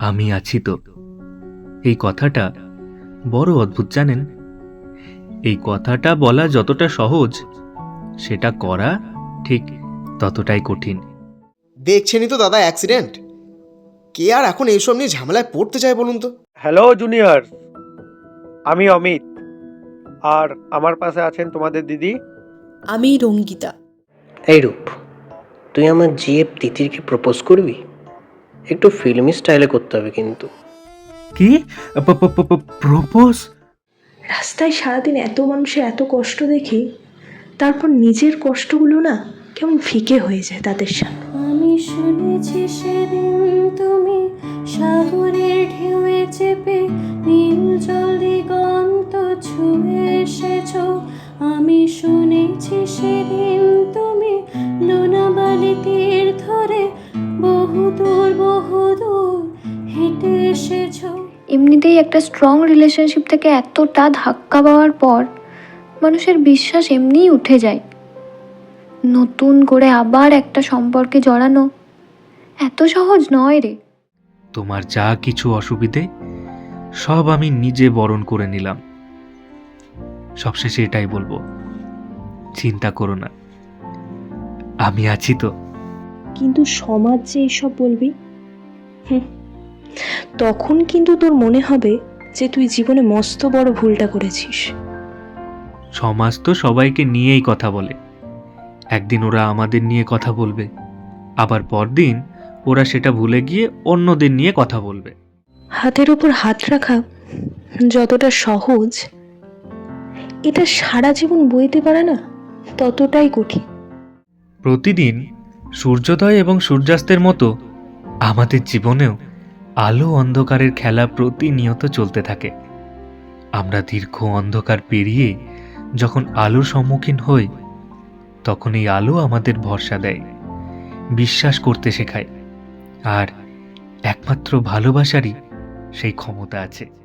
আমি আছি তো, এই কথাটা বড় অদ্ভুত জানেন। এই কথাটা বলা যতটা সহজ, সেটা করা ঠিক ততটাই কঠিন। দেখছেনই তো দাদা অ্যাক্সিডেন্ট। কে আর এখন এইসব নিয়ে ঝামেলায় পড়তে চায় বলুন তো? হ্যালো জুনিয়র, আমি অমিত, আর আমার পাশে আছেন তোমাদের দিদি। আমি রঙ্গিতা। এই রূপ, তুই আমার জিএফ তিতিরকে প্রপোজ করবি? একটু ফিল্মি স্টাইলে করতে হবে কিন্তু। কি প্রপোজ? রাস্তায় সারাদিন এত মানুষের এত কষ্ট দেখি, তারপর নিজের কষ্টগুলো না কেমন ফিকে হয়ে যায় তাদের সামনে। আমি শুনেছি সেদিন তুমি সাগরের ঢেউয়ে চেপে নীল জল দিগন্ত ছুঁয়ে এসেছো। আমি শুনেছি সেদিন তুমি লোনাবালি তীর ধরে বহুদূর হেঁটে এসেছো। এমনিতেই একটা স্ট্রং রিলেশনশিপ থেকে এতটা ধাক্কা পাওয়ার পর মানুষের বিশ্বাস এমনিই উঠে যায়। নতুন করে আবার একটা সম্পর্কে জড়ানো এত সহজ নয় রে। তোমার যা কিছু অসুবিধে সব আমি নিজে বরণ করে নিলাম। সবশেষে এটাই বলবো, চিন্তা করো না, আমি আছি তো। কিন্তু সমাজ যে এসব বলবি, তখন কিন্তু তোর মনে হবে যে তুই জীবনে মস্ত বড় ভুলটা করেছিস। সমাজ তো সবাইকে নিয়েই কথা বলে। একদিন ওরা আমাদের নিয়ে কথা বলবে, আবার পরদিন ওরা সেটা ভুলে গিয়ে অন্যদের নিয়ে কথা বলবে। হাতের উপর হাত রাখা যতটা সহজ, এটা সারা জীবন বইতে পারে না ততটাই কঠিন। প্রতিদিন সূর্যোদয় এবং সূর্যাস্তের মতো আমাদের জীবনেও আলো অন্ধকারের খেলা প্রতিনিয়ত চলতে থাকে। আমরা দীর্ঘ অন্ধকার পেরিয়ে যখন আলোর সম্মুখীন হই, তখন এই আলো আমাদের ভরসা দেয়, বিশ্বাস করতে শেখায়, আর একমাত্র ভালোবাসারই সেই ক্ষমতা আছে।